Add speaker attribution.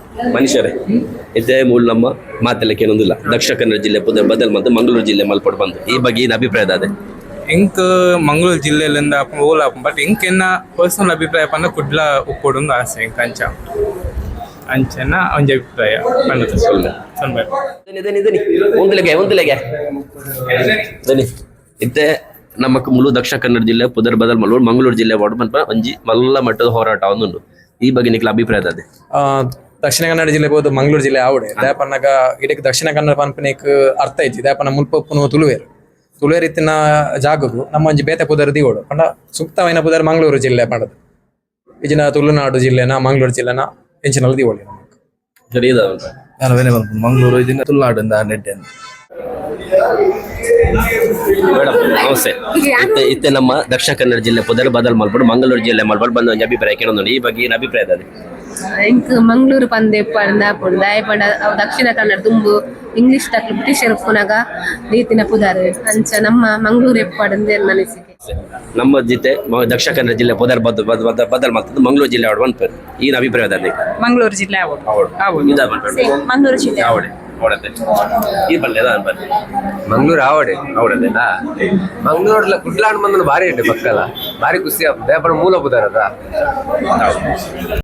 Speaker 1: ಮನುಷ್ಯರೇ ಇದೇ ಮೂಲ ನಮ್ಮ ಮಾತೆಲ್ಲಕ್ಕೆ ಏನೊಂದಿಲ್ಲ. ದಕ್ಷಿಣ ಕನ್ನಡ ಜಿಲ್ಲೆ ಪುದರ್ ಬದಲ್ ಮತ್ತು ಮಂಗಳೂರು ಜಿಲ್ಲೆ ಮಲ್ಪಟ್ಟು ಬಂದು ಈ ಬಗ್ಗೆ ಏನು ಅಭಿಪ್ರಾಯ ಅದೇ
Speaker 2: ಇಂಕ್ ಮಂಗಳೂರು ಜಿಲ್ಲೆಲಿಂದ ಓಲ್ ಬಟ್ ಇಂಕ್ ಎನ್ನ ಪರ್ಸನಲ್ ಅಭಿಪ್ರಾಯ ಪಂಡ ಕುಡ್ಲ ಉಪ್ಪೊಡು ಆಸೆ ಇಂಕ್ ಅಂಚನ ಒಂಜಿ ಅಭಿಪ್ರಾಯ ಪಂಡ ಸೊಲ್ಲೆ
Speaker 1: ದನಿ ಇತ್ತೆ ನಮ್ಮಕ್ ಮುಳು ದಕ್ಷಿಣ ಕನ್ನಡ ಜಿಲ್ಲೆ ಪುದರ್ ಬದಲ್ ಮಲ್ಲೂರು ಮಂಗಳೂರು ಜಿಲ್ಲೆ ವಾರ್ಡ್ ಮಲ್ಪ ಒಂಜಿ ಮಲ್ಲ ಮಟ್ಟದ ಹೋರಾಟ ಒಂದುಂಡು. ಈ ಬಗ್ಗೆ ನಿಕ್ಲ ಅಭಿಪ್ರಾಯ ಅದೇ
Speaker 3: ದಕ್ಷಿಣ ಕನ್ನಡ ಜಿಲ್ಲೆ ಬೋದು ಮಂಗಳೂರು ಜಿಲ್ಲೆ ಆವಡೆ ದಾಪನ್ನಗ ಇದಕ್ಕೆ ದಕ್ಷಿಣ ಕನ್ನಡ ಪನ್ಪನಿಕ್ ಅರ್ಥ ಐತಿ ದಾಪನ ಮುಲ್ಪಪ್ಪುನು ತುಳುವೇರು ಇತ್ತಿನ ಜಾಗಗು ನಮ್ಮ ಒಂಜಿ ಬೇತೆ ಪುದರ್ ದಿಗೋಡು ಪಂಡ ಸೂಕ್ತವೈನ ಪುದರ್ ಮಂಗಳೂರು ಜಿಲ್ಲೆ ಪಂಡದು ಇಜಿನ ತುಳುನಾಡು ಜಿಲ್ಲೆನ ಮಂಗಳೂರು ಜಿಲ್ಲೆನ ಎಂಚಿನಲ್ಲ ದಿಗೋಳಿ ನಮಕ್
Speaker 1: ಸರಿ
Speaker 4: ನಾನು ವೇನೆ ಬಂದು ಮಂಗಳೂರು ಇದನ್ನ ತುಳುನಾಡಿಂದ ನೆಡ್ಡೆ
Speaker 1: ಮೇಡಮ್ ನಮಸ್ತೆ. ಇತ್ತೆ ನಮ್ಮ ದಕ್ಷಿಣ ಕನ್ನಡ ಜಿಲ್ಲೆ ಪುದರ್ ಬದಲ್ ಮಲ್ಪಡು ಮಂಗಳೂರು ಜಿಲ್ಲೆ ಮಲ್ಪಡು ಬಂದ ಒಂಜಿ ಅಭಿಪ್ರಾಯ ಕೇಳೋದು. ಈ ಬಗ್ಗೆ ಏನು ಅಭಿಪ್ರಾಯ ಅದೇ
Speaker 5: ಇಂಕ್ ಮಂಗಳೂರು ಪಂದೆ ಪಂಡ ಪುಂಡ ಪಂಡ ದಕ್ಷಿಣ ಕನ್ನಡ ತುಂಬು ಇಂಗ್ಲಿಷ್ ತಕ್ಕ ಬ್ರಿಟಿಷರ್ ಪುನಗ ರೀತಿನ ಪುದಾರ್ ಅಂಚ ನಮ್ಮ ಮಂಗಳೂರು ಎಪ್ಪಡಂದೆ ಮನಸ್ಸಿಗೆ
Speaker 1: ನಮ್ಮ ಜೊತೆ ದಕ್ಷಿಣ ಕನ್ನಡ ಜಿಲ್ಲೆ ಪುದರ್ ಬದಲ್ ಮಾಡ್ತದ್ದು ಮಂಗಳೂರು ಜಿಲ್ಲೆ ಆವಡ್ ಬಂದ್ಪೇರು ಏನು ಅಭಿಪ್ರಾಯ ಅದೇ
Speaker 6: ಮಂಗಳೂರು ಜಿಲ್ಲೆ ಮಂಗಳೂರು ಜಿಲ್ಲೆ
Speaker 1: ಆವಡೆ ಅವಡತ್ತೆ ಈ ಬಲ್ಲೆ ಬನ್ನಿ
Speaker 4: ಮಂಗಳೂರು ಆವಡೆ ಅವಡದೇನಾ ಮಂಗಳೂರ್ಲ ಕುಡ್ಲಾಡ್ ಮಂದನ ಭಾರಿ ಉಂಟು ಪಕ್ಕಲ ಭಾರಿ ಖುಷಿ ಬೇಪನ ಮೂಲ ಬುದಾರದ